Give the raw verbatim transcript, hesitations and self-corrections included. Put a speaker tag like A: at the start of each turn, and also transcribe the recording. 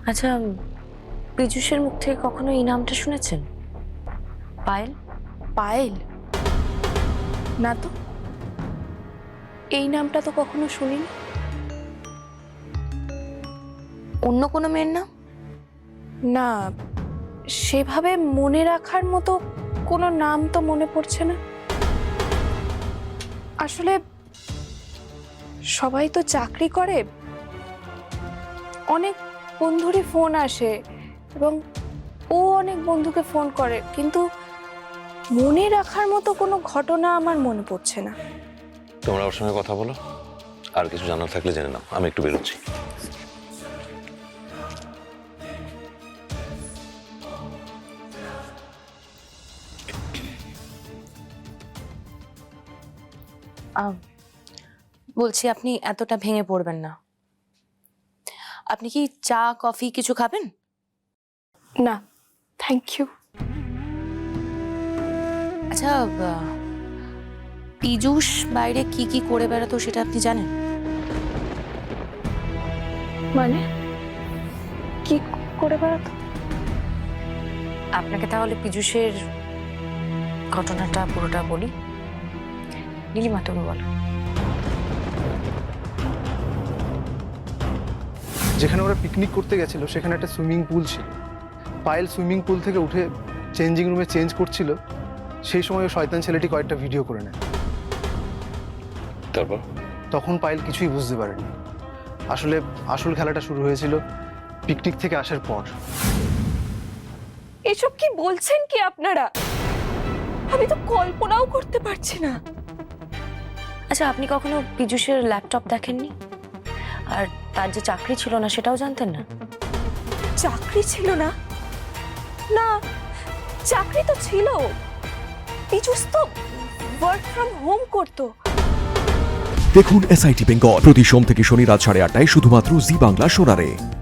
A: আচ্ছা, পীযূষের মুখ থেকে কখনো এই নামটা শুনেছেন? পায়েল?
B: পায়েল? না তো, এই নামটা তো কখনো শুনিনি।
A: অন্য কোনো মেয়ের নাম?
B: না, সেভাবে মনে রাখার মতো কোনো নাম তো মনে পড়ছে না। আসলে সবাই তো চাকরি করে, অনেক বন্ধুরই ফোন আসে এবং ও অনেক বন্ধুকে ফোন করে, কিন্তু মনে রাখার মতো কোনো ঘটনা আমার মনে পড়ছে না।
C: তোমরা ওর সঙ্গে কথা বলো, আর কিছু জানার থাকলে জেনে নাও। আমি একটু বেরোচ্ছি।
A: বলছি, আপনি এতটা ভেঙে পড়বেন না। আপনি কি চা কফি কিছু খাবেন?
B: না, থ্যাংক ইউ।
A: আচ্ছা, পীযূষ বাইরে কি কি করে বেড়াতো সেটা আপনি জানেন?
B: মানে কি করে বেড়াতো?
A: আপনাকে তাহলে পীযূষের ঘটনাটা পুরোটা বলি। নীলিমা, তুমি বলো।
D: যেখানে ওরা পিকনিক করতে গেছিল সেখানে একটা সুইমিং পুল ছিল। পায়েল সুইমিং পুল থেকে উঠে চেঞ্জিং রুমে চেঞ্জ করছিল, সেই সময় ওই শয়তান ছেলেটি কয়েকটা ভিডিও করে নেয়।
C: তারপর
D: তখন পায়েল কিছুই বুঝতে পারেনি। আসলে আসল খেলাটা শুরু হয়েছিল পিকনিক থেকে আসার পর।
B: এসব কি বলছেন কি আপনারা? আমি তো কল্পনাও করতে পারছি না।
A: আচ্ছা, আপনি কখনো পীযূষের ল্যাপটপ দেখেননি? আর তার যে চাকরি ছিল না সেটাও জানতেন না?
B: চাকরি ছিল না? না, চাকরি তো ছিল। পীযূষ তো ওয়ার্ক ফ্রম হোম করতো।
E: দেখুন এসআইটি বেঙ্গল প্রতি সোম থেকে শনি রাত সাড়ে আটটায় শুধুমাত্র জি বাংলা সোনারে।